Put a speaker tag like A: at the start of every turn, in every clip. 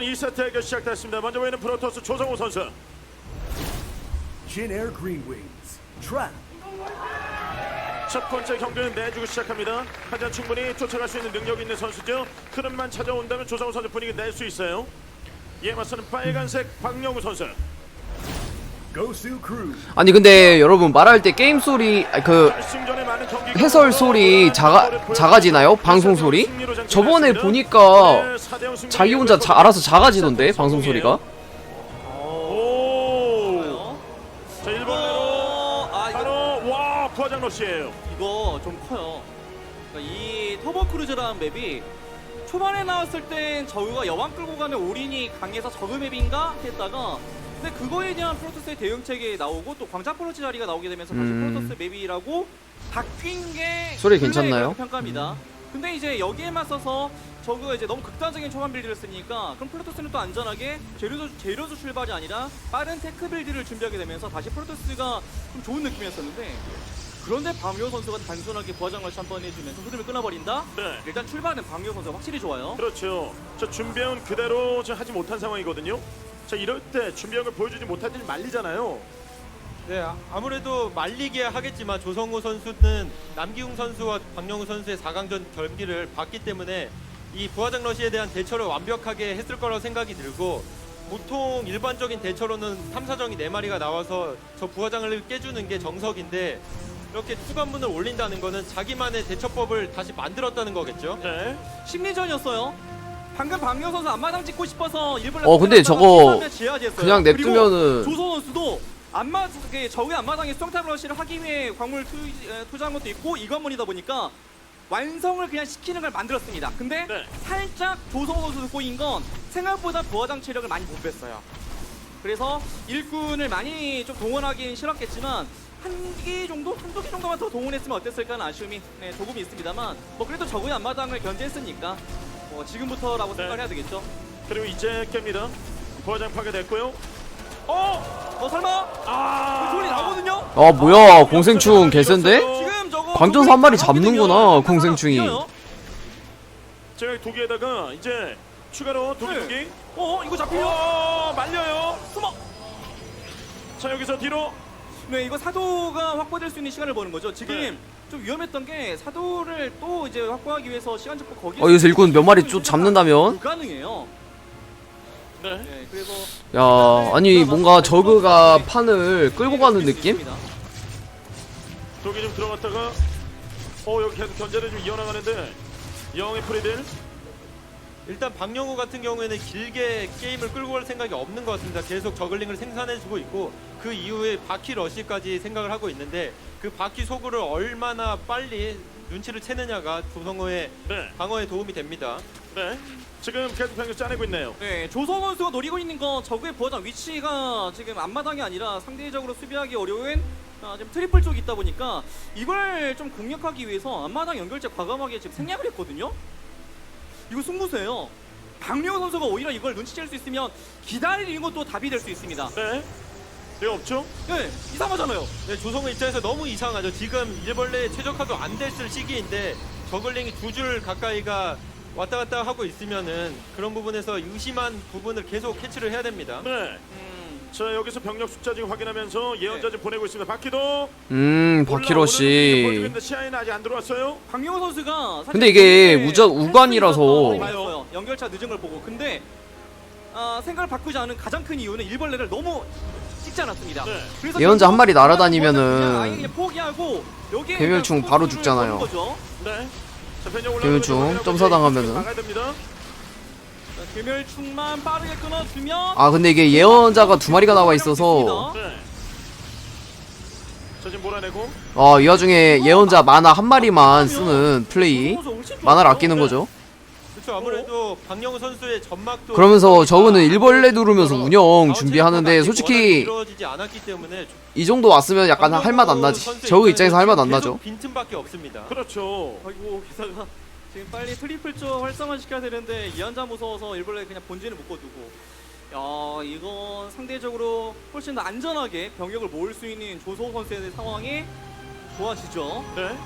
A: 2세트 대결 시작됐습니다. 먼저 보이는 프로토스 조성우 선수.
B: Jin Air Green Wings. Trap.
A: 첫 번째 경기는 내주고 시작합니다. 하지만 충분히 쫓아갈 수 있는 능력이 있는 선수죠. 흐름만 찾아온다면 조성우 선수 분위기 낼 수 있어요. 이에 맞서는 빨간색 박영우 선수.
B: Gosu Crew.
C: 아니 근데 여러분 말할 때 게임 소리 그
A: 결승전에 많은 경기가
C: 해설 소리 작아지나요? 방송 소리? 저번에 보니까 자기 혼자 알아서 작아지던데 방송 소리가.
A: 오. 자 1번으로 바로 와 부하장 러시예요.
D: 이거 좀 커요. 그러니까 이 터보 크루즈라는 맵이 초반에 나왔을 땐 저우가 여왕 끌고 가는 올인이 강해서 저그 맵인가 했다가 근데 그거에 대한 프로토스의 대응책이 나오고 또 광장 프로토스 자리가 나오게 되면서 다시 프로토스 맵이라고 바뀐 게
C: 소리 괜찮나요?
D: 평가입니다. 근데 이제 여기에 맞서서 저그가 이제 너무 극단적인 초반 빌드를 쓰니까 그럼 프로토스는 또 안전하게 제로수 출발이 아니라 빠른 테크 빌드를 준비하게 되면서 다시 프로토스가 좀 좋은 느낌이었었는데 그런데 박효 선수가 단순하게 부하장 러시 한번 해주면서 흐름을 끊어버린다?
A: 네.
D: 일단 출발은 박효 선수가 확실히 좋아요.
A: 그렇죠. 저 준비해온 그대로 저 하지 못한 상황이거든요. 자 이럴 때 준비한 걸 보여주지 못할 때 말리잖아요.
E: 네, 아무래도 말리게 하겠지만 조성우 선수는 남기웅 선수와 박영우 선수의 4강전 경기를 봤기 때문에 이 부하장 러시에 대한 대처를 완벽하게 했을 거라고 생각이 들고 보통 일반적인 대처로는 탐사정이 4마리가 나와서 저 부하장을 깨주는 게 정석인데 이렇게 투관문을 올린다는 거는 자기만의 대처법을 다시 만들었다는 거겠죠.
A: 네.
D: 심리전이었어요. 방금 박효 선수 앞마당 찍고 싶어서 일부러
C: 근데 저거
D: 지하지했어요.
C: 그냥 냅두면은
D: 조선 선수도 저의 앞마당에 수정탑 러시를 하기 위해 광물 투자한 것도 있고 이 관문이다 보니까 완성을 그냥 시키는 걸 만들었습니다. 근데
A: 네.
D: 살짝 조성 선수 꼬인 건 생각보다 부하장 체력을 많이 못 뺐어요. 그래서 일꾼을 많이 좀 동원하긴 싫었겠지만 한두 개 정도만 더 동원했으면 어땠을까 하는 아쉬움이 조금 있습니다만 뭐 그래도 적의 앞마당을 견제했으니까 지금부터라고 생각해야 되겠죠.
A: 그리고 이제 깹니다. 부하장 파괴됐고요.
D: 설마? 그 소리 나거든요?
C: 아 뭐야 공생충 개센데?
D: 지금 저거
C: 광전사 한 마리 잡는구나 공생충이.
A: 제가 두 개에다가 이제 추가로 두 개.
D: 이거 잡히려?
A: 말려요.
D: 숨어!
A: 자 여기서 뒤로.
D: 네, 이거 사도가 확보될 수 있는 시간을 버는 거죠. 지금
A: 네.
D: 좀 위험했던 게 사도를 또 이제 확보하기 위해서 시간 잡고 거기에
C: 여기서 일꾼 몇 마리 쭉 잡는다면?
D: 불가능해요.
A: 네.
D: 네, 그래서
C: 야 아니 뭔가 저그가 판을 끌고 가는 느낌?
A: 독이 좀 들어갔다가 여기 계속 견제를 좀 이어나가는데 영의 프리딜.
E: 일단 박영우 같은 경우에는 길게 게임을 끌고 갈 생각이 없는 것 같습니다. 계속 저글링을 생산해주고 있고 그 이후에 바퀴 러시까지 생각을 하고 있는데 그 바퀴 소구를 얼마나 빨리 눈치를 채느냐가 조성호의
A: 네.
E: 방어에 도움이 됩니다.
A: 네. 지금 계속 병력 짜내고 있네요.
D: 네, 조성 선수가 노리고 있는 건 적의 부하장 위치가 지금 앞마당이 아니라 상대적으로 수비하기 어려운 지금 트리플 쪽이 있다 보니까 이걸 좀 공략하기 위해서 앞마당 연결체 과감하게 지금 생략을 했거든요. 이거 승부수예요. 박명호 선수가 오히려 이걸 눈치챌 수 있으면 기다리는 것도 답이 될 수 있습니다.
A: 네. 네 없죠?
D: 네, 이상하잖아요.
E: 네, 조성호 입장에서 너무 이상하죠. 지금 일벌레 최적화도 안 됐을 시기인데 저글링이 2줄 가까이가 왔다 갔다 하고 있으면은 그런 부분에서 의심한 부분을 계속 캐치를 해야 됩니다.
A: 네. 자 여기서 병력 숫자 지금 확인하면서 예언자 지금 보내고 있습니다. 바퀴도.
C: 바퀴러시.
A: 시야에는 아직 안 들어왔어요.
D: 박명호 선수가 사실
C: 근데 이게
D: 처음에
C: 우간이라서
D: 봤어요. 연결차 늦은 걸 보고. 근데 생각을 바꾸지 않은 가장 큰 이유는 일벌레를 너무 찍지 않았습니다.
A: 네.
D: 그래서
C: 예언자 한 마리
D: 그냥
C: 날아다니면은
D: 아예 그냥 포기하고 여기에
C: 괴멸충
D: 그냥
C: 바로
D: 포수를
C: 죽잖아요.
D: 거는 거죠.
A: 네. 자 변형
C: 괴멸충
A: 올라가면
C: 점사당하면은.
A: 나가야 됩니다.
D: 자, 괴멸충만 빠르게 끊어주면
C: 아 근데 이게 예언자가 2마리가 나와 있어서
A: 네. 자 지금 몰아내고.
C: 이 와중에 예언자 만화 한 마리만 쓰는 플레이, 만화를 아끼는 거죠.
E: 그렇죠. 아무래도 박영우 선수의 전막도
C: 그러면서 저거는 일벌레 누르면서 운영 준비하는데 솔직히
E: 이루어지지 않았기 때문에
C: 이 정도 왔으면 약간 할 맛 안 나지. 저거 입장에서 할 맛 안 나죠.
E: 빈틈밖에 없습니다.
A: 그렇죠.
D: 아이고 기사가 지금 빨리 트리플 쪽 활성화 시켜야 되는데 이한자 무서워서 일벌레 그냥 본진을 묶어두고 이건 상대적으로 훨씬 더 안전하게 병력을 모을 수 있는 조성호 선수의 상황이 좋아지죠.
A: 네.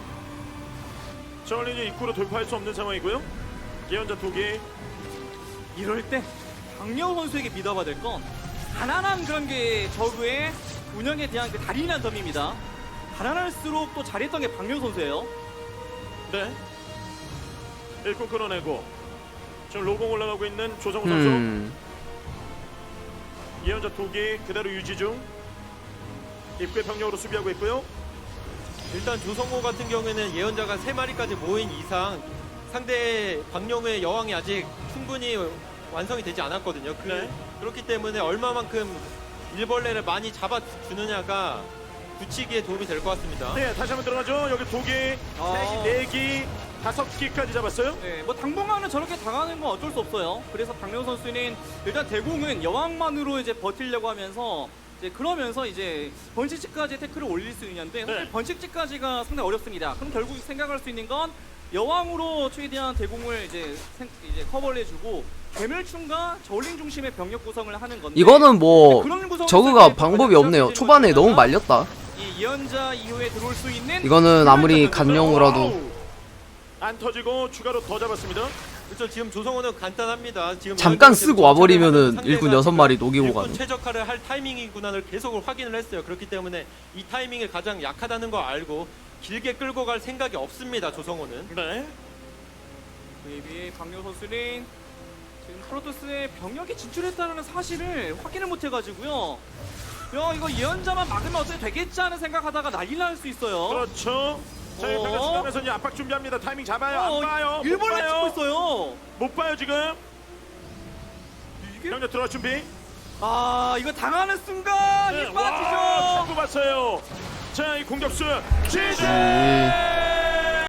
A: 저는 이제 입구로 돌파할 수 없는 상황이고요. 예언자 두 개.
D: 이럴 때 박명호 선수에게 믿어봐야 될 건 가난한 그런 게 저그의 운영에 대한 그 달인한 점입니다. 가난할수록 또 잘했던 게 박명호 선수예요.
A: 네. 일꾼 끌어내고 지금 로공 올라가고 있는 조성우 선수. 예언자 2기 그대로 유지 중. 입구의 병력으로 수비하고 있고요.
E: 일단 조성호 같은 경우에는 예언자가 3마리까지 모인 이상 상대 박영우의 여왕이 아직 충분히 완성이 되지 않았거든요.
A: 네.
E: 그렇기 때문에 얼마만큼 일벌레를 많이 잡아주느냐가 굳히기에 도움이 될 것 같습니다.
A: 네, 다시 한번 들어가죠. 여기 2기, 3기, 4기, 5기까지 잡았어요.
D: 네, 뭐 당분간은 저렇게 당하는 건 어쩔 수 없어요. 그래서 박명호 선수는 일단 대공은 여왕만으로 이제 버틸려고 하면서 이제 그러면서 이제 번식지까지 태클을 올릴 수 있는데 사실
A: 네.
D: 번식지까지가 상당히 어렵습니다. 그럼 결국 생각할 수 있는 건 여왕으로 최대한 대공을 이제 커버를 해주고 괴멸충과 저울링 중심의 병력 구성을 하는 건데
C: 이거는 뭐
D: 그런 구성을
C: 저그가
D: 쓸때
C: 방법이
D: 가장
C: 없네요.
D: 문제는
C: 초반에 너무
D: 뭐냐면
C: 말렸다.
D: 이 예언자 이후에 들어올 수 있는
C: 이거는 아무리
D: 훌륭한
C: 간용으로도
A: 와우. 안 터지고 추가로 더 잡았습니다.
E: 그렇죠. 지금 조성호는 간단합니다. 지금
C: 잠깐
E: 예언자가
C: 쓰고 와버리면은
E: 상대가
C: 일군 6마리
E: 지금
C: 녹이고
E: 일군
C: 가는.
E: 최적화를 할 타이밍이구나를 계속 확인을 했어요. 그렇기 때문에 이 타이밍이 가장 약하다는 거 알고 길게 끌고 갈 생각이 없습니다. 조성호는.
A: 네.
D: 그에 비해 박명호 선수는 지금 프로토스의 병력이 진출했다는 사실을 확인을 못해가지고요. 야 이거 예언자만 막으면 어떻게 되겠지 하는 생각하다가 난리 날 수 있어요.
A: 그렇죠. 자,
D: 어?
A: 병력 지나면서 이제 압박 준비합니다. 타이밍 잡아요. 안 봐요. 못
D: 일본에 찍고
A: 봐요.
D: 있어요.
A: 못 봐요 지금.
D: 이게
A: 병력 들어갈 준비.
D: 아 이거 당하는 순간
A: 네.
D: 이
A: 와,
D: 빠지죠.
A: 자꾸 봤어요. 자, 이 공격수 지지.